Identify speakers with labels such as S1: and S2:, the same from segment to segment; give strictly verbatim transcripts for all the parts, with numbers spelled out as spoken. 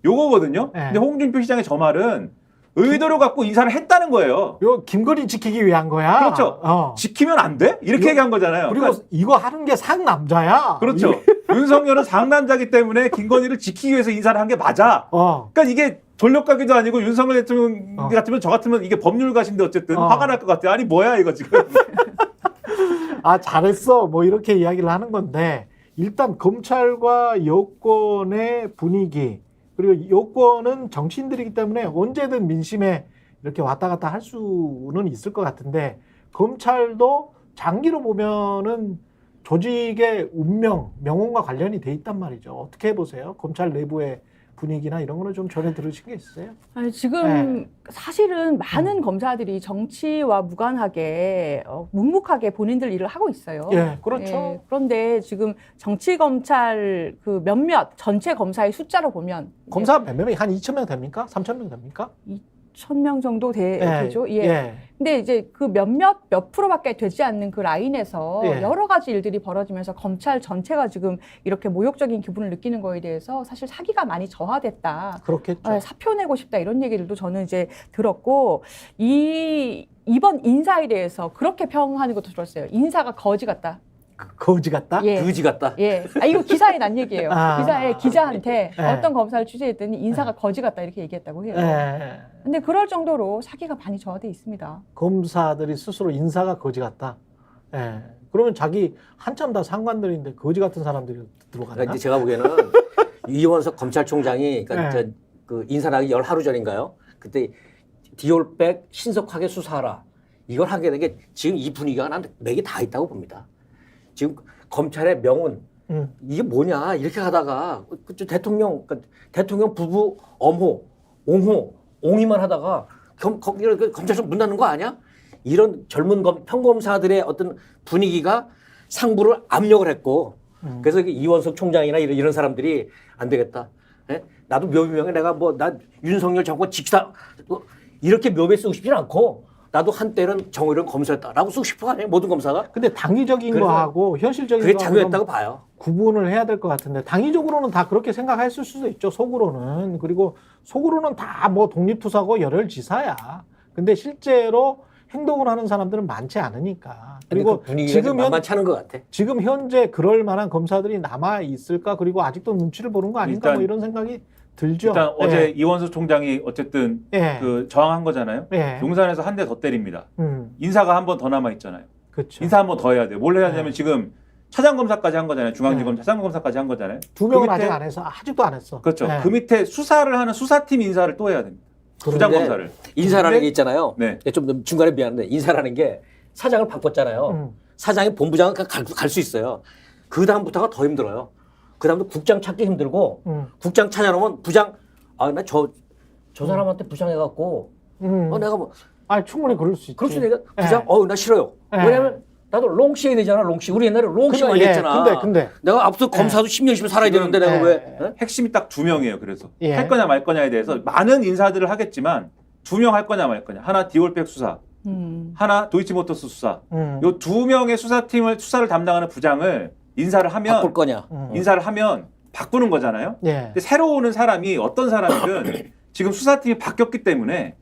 S1: 요거거든요.
S2: 네.
S1: 근데 홍준표 시장의 저 말은 의도를 갖고 인사를 했다는 거예요.
S2: 요 김건희 지키기 위한 거야.
S1: 그렇죠.
S2: 어.
S1: 지키면 안 돼? 이렇게
S2: 요,
S1: 얘기한 거잖아요.
S2: 그리고
S1: 그러니까,
S2: 이거 하는 게 상남자야.
S1: 그렇죠. 윤석열은 상남자기 때문에 김건희를 지키기 위해서 인사를 한 게 맞아.
S2: 어.
S1: 그러니까 이게 전력가기도 아니고 윤석열 대통령
S2: 어.
S1: 같으면 저 같으면 이게 법률가신데 어쨌든
S2: 어.
S1: 화가 날 것 같아요. 아니 뭐야 이거 지금.
S2: 아 잘했어 뭐 이렇게 이야기를 하는 건데 일단 검찰과 여권의 분위기 그리고 여권은 정치인들이기 때문에 언제든 민심에 이렇게 왔다 갔다 할 수는 있을 것 같은데 검찰도 장기로 보면은 조직의 운명, 명운과 관련이 돼 있단 말이죠. 어떻게 보세요? 검찰 내부의 분위기나 이런 거는 좀 전해 들으신 게 있어요?
S3: 아니, 지금
S2: 네.
S3: 사실은 많은
S2: 음.
S3: 검사들이 정치와 무관하게 어, 묵묵하게 본인들 일을 하고 있어요.
S2: 예, 그렇죠.
S3: 예, 그런데 지금 정치 검찰 그 몇몇 전체 검사의 숫자로 보면
S2: 검사 몇 명이 한 이천 명 됩니까? 삼천 명 됩니까?
S3: 천 명 정도 되,
S2: 예,
S3: 죠 예.
S2: 예.
S3: 근데 이제 그 몇몇 몇 프로밖에 되지 않는 그 라인에서
S2: 예.
S3: 여러 가지 일들이 벌어지면서 검찰 전체가 지금 이렇게 모욕적인 기분을 느끼는 거에 대해서 사실 사기가 많이 저하됐다.
S2: 그렇겠죠.
S3: 네, 사표 내고 싶다 이런 얘기들도 저는 이제 들었고 이 이번 인사에 대해서 그렇게 평하는 것도 들었어요. 인사가 거지 같다.
S2: 거지 같다?
S3: 예.
S4: 그지 같다.
S3: 예. 아, 이거 기사에 난 얘기예요.
S2: 아.
S3: 기사에 기자한테
S2: 예.
S3: 어떤 검사를 취재했더니 인사가 거지 같다 이렇게 얘기했다고 해요.
S2: 예.
S3: 근데 그럴 정도로 사기가 많이 저하돼 있습니다.
S2: 검사들이 스스로 인사가 거지 같다. 예. 그러면 자기 한참 다 상관들인데 거지 같은 사람들이 들어가나?
S4: 그러니까 이제 제가 보기에는 이원석 검찰총장이 그러니까
S2: 네.
S4: 저, 그 인사하기 열 하루 전인가요? 그때 디올백 신속하게 수사하라. 이걸 하게 된 게 지금 이 분위기가 난 맥이 다 있다고 봅니다. 지금 검찰의 명운
S2: 음.
S4: 이게 뭐냐 이렇게 하다가 그 대통령 그러니까 대통령 부부 엄호 옹호 옹이만 하다가 검, 검, 이렇게 검찰청 문 닫는 거 아니야? 이런 젊은 검, 평검사들의 어떤 분위기가 상부를 압력을 했고
S2: 음.
S4: 그래서 이원석 총장이나 이런, 이런 사람들이 안 되겠다. 예? 나도 묘비명에 내가 뭐 나 윤석열 정권 지키다 뭐 이렇게 묘비에 쓰고 싶지는 않고 나도 한때는 정의로운 검사였다라고 쓰고 싶어 하네 모든 검사가.
S2: 근데 당위적인
S4: 그래서
S2: 거하고 현실적인
S4: 그게
S2: 거하고
S4: 장애였다고 봐요.
S2: 구분을 해야 될 것 같은데 당위적으로는 다 그렇게 생각했을 수도 있죠. 속으로는. 그리고 속으로는 다 뭐 독립투사고 열혈지사야. 근데 실제로 행동을 하는 사람들은 많지 않으니까.
S4: 그리고
S2: 그리고
S4: 그 분위기가
S2: 지금, 현,
S4: 만만치 않은 것 같아.
S2: 지금 현재 그럴 만한 검사들이 남아 있을까? 그리고 아직도 눈치를 보는 거 아닌가?
S1: 일단,
S2: 뭐 이런 생각이 들죠.
S1: 일단
S2: 예.
S1: 어제 이원수 총장이 어쨌든
S2: 예.
S1: 그 저항한 거잖아요.
S2: 예.
S1: 용산에서 한 대 더 때립니다.
S2: 음,
S1: 인사가 한 번 더 남아 있잖아요.
S2: 그렇죠.
S1: 인사 한 번 더 해야 돼요. 뭘 해야 되냐면
S2: 네.
S1: 지금 차장검사까지 한 거잖아요. 중앙지검
S2: 네.
S1: 차장검사까지 한 거잖아요.
S2: 두 명은
S1: 그 밑에-
S2: 아직 안 해서 아직도 안 했어.
S1: 그렇죠.
S2: 예.
S1: 그 밑에 수사를 하는 수사팀 인사를 또 해야 됩니다.
S2: 그런데-
S1: 부장검사를.
S4: 인사라는
S2: 근데-
S4: 게 있잖아요.
S1: 네.
S4: 좀 중간에 미안한데 인사라는 게 사장을 바꿨잖아요.
S2: 음.
S4: 사장이 본부장은 갈 수 있어요. 그 다음부터가 더 힘들어요. 그 다음부터 국장 찾기 힘들고
S2: 음.
S4: 국장 찾아놓으면 부장 아 나 저 저 사람한테 부장해갖고
S2: 음.
S4: 어 내가 뭐
S2: 아 충분히 그럴 수 있지.
S4: 그럴 수 내가 부장
S2: 예.
S4: 어 나 싫어요.
S2: 예.
S4: 왜냐면 나도 롱시 해야 되잖아 롱시. 우리 옛날에 롱시
S2: 근데,
S4: 많이
S2: 예,
S4: 했잖아.
S2: 근데, 근데.
S4: 내가 앞서 검사도 십 년씩은 살아야
S1: 지금-
S4: 되는데 내가
S2: 예.
S4: 왜? 예?
S1: 핵심이 딱 두 명이에요. 그래서
S2: 예.
S1: 할 거냐 말 거냐에 대해서 많은 인사들을 하겠지만 두 명 할 거냐 말 거냐. 하나 디올백 수사,
S3: 음.
S1: 하나 도이치모터스 수사.
S2: 음.
S1: 요 두 명의 수사팀을 수사를 담당하는 부장을 인사를 하면
S4: 바꿀 거냐?
S2: 음.
S1: 인사를 하면 바꾸는 거잖아요.
S2: 예.
S1: 근데 새로 오는 사람이 어떤 사람이든 지금 수사팀이 바뀌었기 때문에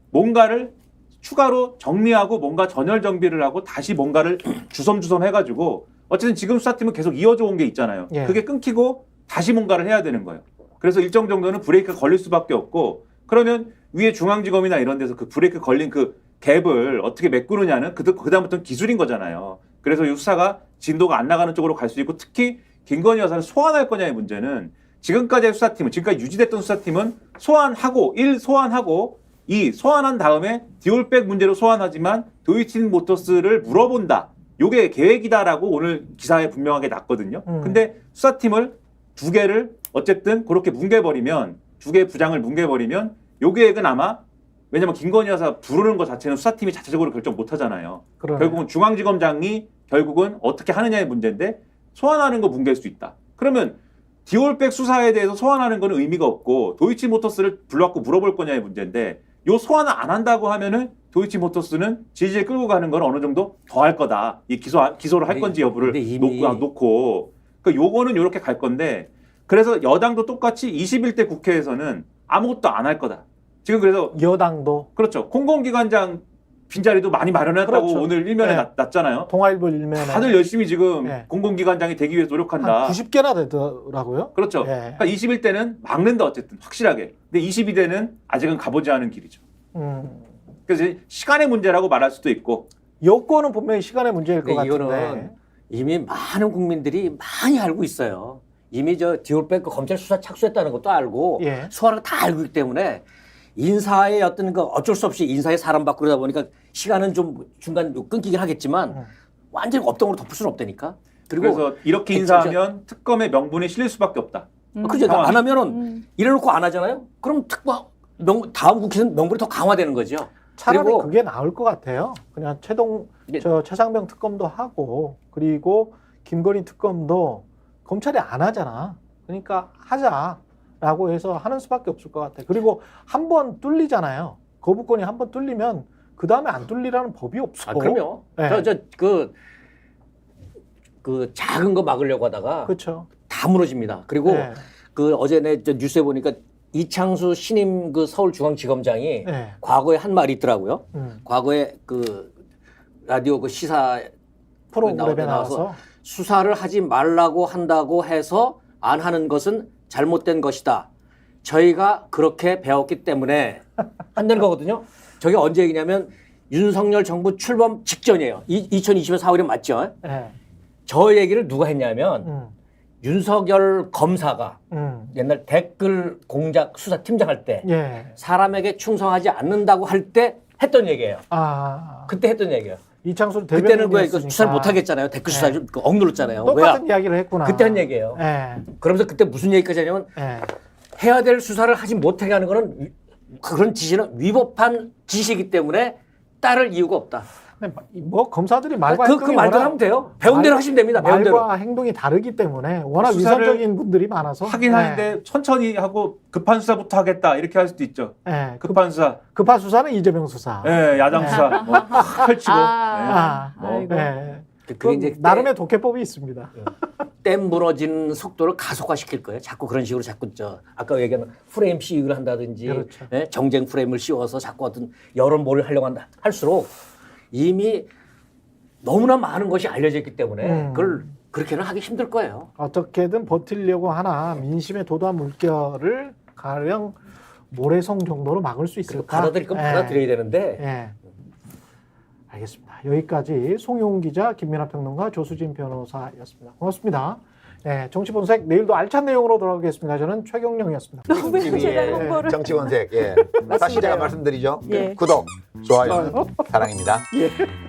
S1: 뭔가를 추가로 정리하고 뭔가 전열 정비를 하고 다시 뭔가를 주섬주섬 해가지고 어쨌든 지금 수사팀은 계속 이어져 온 게 있잖아요.
S2: 예.
S1: 그게 끊기고 다시 뭔가를 해야 되는 거예요. 그래서 일정 정도는 브레이크가 걸릴 수밖에 없고 그러면 위에 중앙지검이나 이런 데서 그 브레이크 걸린 그 갭을 어떻게 메꾸느냐는 그, 그다음부터는 기술인 거잖아요. 그래서 이 수사가 진도가 안 나가는 쪽으로 갈 수 있고 특히 김건희 여사를 소환할 거냐의 문제는 지금까지의 수사팀은 지금까지 유지됐던 수사팀은 소환하고 일 소환하고 이 소환한 다음에 디올백 문제로 소환하지만 도이치모터스를 물어본다. 요게 계획이다라고 오늘 기사에 분명하게 났거든요.
S2: 음.
S1: 근데 수사팀을 두 개를 어쨌든 그렇게 뭉개버리면 두 개의 부장을 뭉개버리면 요 계획은 아마 왜냐면 김건희 여사 부르는 것 자체는 수사팀이 자체적으로 결정 못 하잖아요.
S2: 그러네.
S1: 결국은 중앙지검장이 결국은 어떻게 하느냐의 문제인데 소환하는 거 뭉갤 수 있다. 그러면 디올백 수사에 대해서 소환하는 거는 의미가 없고 도이치모터스를 불러갖고 물어볼 거냐의 문제인데 요 소환을 안 한다고 하면은 도이치모터스는 질질 끌고 가는 건 어느 정도 더 할 거다. 이 기소 기소를 할
S4: 근데-
S1: 건지 여부를
S4: 근데 이미-
S1: 놓고 놓고 그 요거는 요렇게 갈 건데 그래서 여당도 똑같이 이십일 대 국회에서는 아무것도 안 할 거다. 지금 그래서
S2: 여당도
S1: 그렇죠. 공공기관장 빈자리도 많이 마련했다고
S2: 그렇죠.
S1: 오늘 일면에
S2: 네.
S1: 났, 났잖아요.
S2: 통화일보 일면에
S1: 다들 열심히 지금
S2: 네.
S1: 공공기관장이 되기 위해서 노력한다.
S2: 한 구십 개나 되더라고요.
S1: 그렇죠.
S2: 예.
S1: 그러니까 이십일 대는 막는다 어쨌든 확실하게. 근데 이십이 대는 아직은 가보지 않은 길이죠.
S2: 음.
S1: 그래서 이제 시간의 문제라고 말할 수도 있고.
S2: 여권은 분명히 시간의 문제일 것
S4: 근데
S2: 같은데.
S4: 이거는 이미 많은 국민들이 많이 알고 있어요. 이미 저 디올백 그 검찰 수사 착수했다는 것도 알고
S2: 예.
S4: 소환을 다 알고 있기 때문에 인사의 어떤 그 어쩔 수 없이 인사의 사람 바꾸다 보니까 시간은 좀 중간 끊기긴 하겠지만
S2: 음.
S4: 완전히 업동으로 덮을 수는 없다니까. 그리고
S1: 그래서 이렇게
S4: 저-
S1: 인사하면 특검의 명분이 실릴 수밖에 없다.
S3: 음.
S4: 그죠?
S1: 상황이.
S4: 안 하면은
S3: 음.
S4: 이래놓고 안 하잖아요. 그럼 특검 명, 다음 국회는 명분이 더 강화되는 거죠.
S2: 차라리
S4: 그리고
S2: 그게 나을 것 같아요. 그냥 최동
S4: 이게-
S2: 저 최상병 특검도 하고 그리고 김건희 특검도 검찰이 안 하잖아. 그러니까 하자라고 해서 하는 수밖에 없을 것 같아. 그리고 한 번 뚫리잖아요. 거부권이 한 번 뚫리면 그 다음에 안 뚫리라는 법이 없어.
S4: 아, 그럼요.
S2: 네.
S4: 저, 저, 그, 그 작은 거 막으려고 하다가
S2: 그렇죠.
S4: 다 무너집니다. 그리고
S2: 네.
S4: 그 어제 내 저 뉴스에 보니까 이창수 신임 그 서울중앙지검장이
S2: 네.
S4: 과거에 한 말이 있더라고요.
S2: 음.
S4: 과거에 그 라디오 그 시사
S2: 프로그램에
S4: 나와서
S2: 나와서
S4: 수사를 하지 말라고 한다고 해서 안 하는 것은 잘못된 것이다. 저희가 그렇게 배웠기 때문에 한다는 거거든요. 저게 언제 얘기냐면 윤석열 정부 출범 직전이에요. 이, 이천이십 년 사월에 맞죠?
S2: 네.
S4: 저 얘기를 누가 했냐면
S2: 음.
S4: 윤석열 검사가
S2: 음.
S4: 옛날 댓글 공작 수사팀장 할 때
S2: 예.
S4: 사람에게 충성하지 않는다고 할 때 했던 얘기예요.
S2: 아.
S4: 그때 했던 얘기예요.
S2: 이창수
S4: 그때는 왜
S2: 대변인이었으니까
S4: 그 수사를 못 하겠잖아요. 댓글 수사
S2: 네.
S4: 그 억눌렀잖아요.
S2: 똑같은
S4: 왜야?
S2: 이야기를 했구나.
S4: 그때 한 얘기예요.
S2: 예.
S4: 그러면서 그때 무슨 얘기까지 하냐면
S2: 예.
S4: 해야 될 수사를 하지 못하게 하는 거는 위- 그런 지시는 위법한 지시이기 때문에 따를 이유가 없다.
S2: 근데 뭐 검사들이 말과
S4: 그, 그
S2: 행동이
S4: 말대로
S2: 워낙
S4: 하면 돼요. 배운 대로
S2: 말-
S4: 하시면 됩니다. 배운 대로.
S2: 말과 행동이 다르기 때문에 워낙
S1: 수사를
S2: 위선적인 분들이 많아서
S1: 하긴
S2: 네.
S1: 하는데 천천히 하고 급한 수사부터 하겠다 이렇게 할 수도 있죠.
S2: 네. 급,
S1: 급한 수사,
S2: 급한 수사는 이재명 수사.
S1: 예, 야당 수사 뭐 펼치고.
S3: 아.
S2: 아,
S3: 아이고.
S2: 네.
S4: 그-
S2: 그건
S4: 그게 이제
S2: 나름의 독해법이 있습니다.
S4: 댐 무너지는 속도를 가속화시킬 거예요. 자꾸 그런 식으로 자꾸 저 아까 얘기한 프레임 씌우기를 한다든지
S2: 그렇죠.
S4: 예? 정쟁 프레임을 씌워서 자꾸 어떤 여론 몰을 하려고 한다 할수록 이미 너무나 많은 것이 알려져 있기 때문에
S2: 음.
S4: 그걸 그렇게는 하기 힘들 거예요.
S2: 어떻게든 버틸려고 하나 민심의 도도한 물결을 가령 모래성 정도로 막을 수
S4: 그리고
S2: 있을까?
S4: 받아들일 건
S2: 예.
S4: 받아들여야 되는데
S2: 예. 알겠습니다. 여기까지 송용훈 기자, 김민하 평론가, 조수진 변호사였습니다. 고맙습니다. 예, 정치본색 내일도 알찬 내용으로 돌아오겠습니다. 저는 최경령이었습니다.
S3: 너무 제가 홍보를.
S5: 정치본색. 예. 다시 제가 말씀드리죠.
S3: 예.
S5: 구독, 좋아요, 사랑입니다.
S2: 예.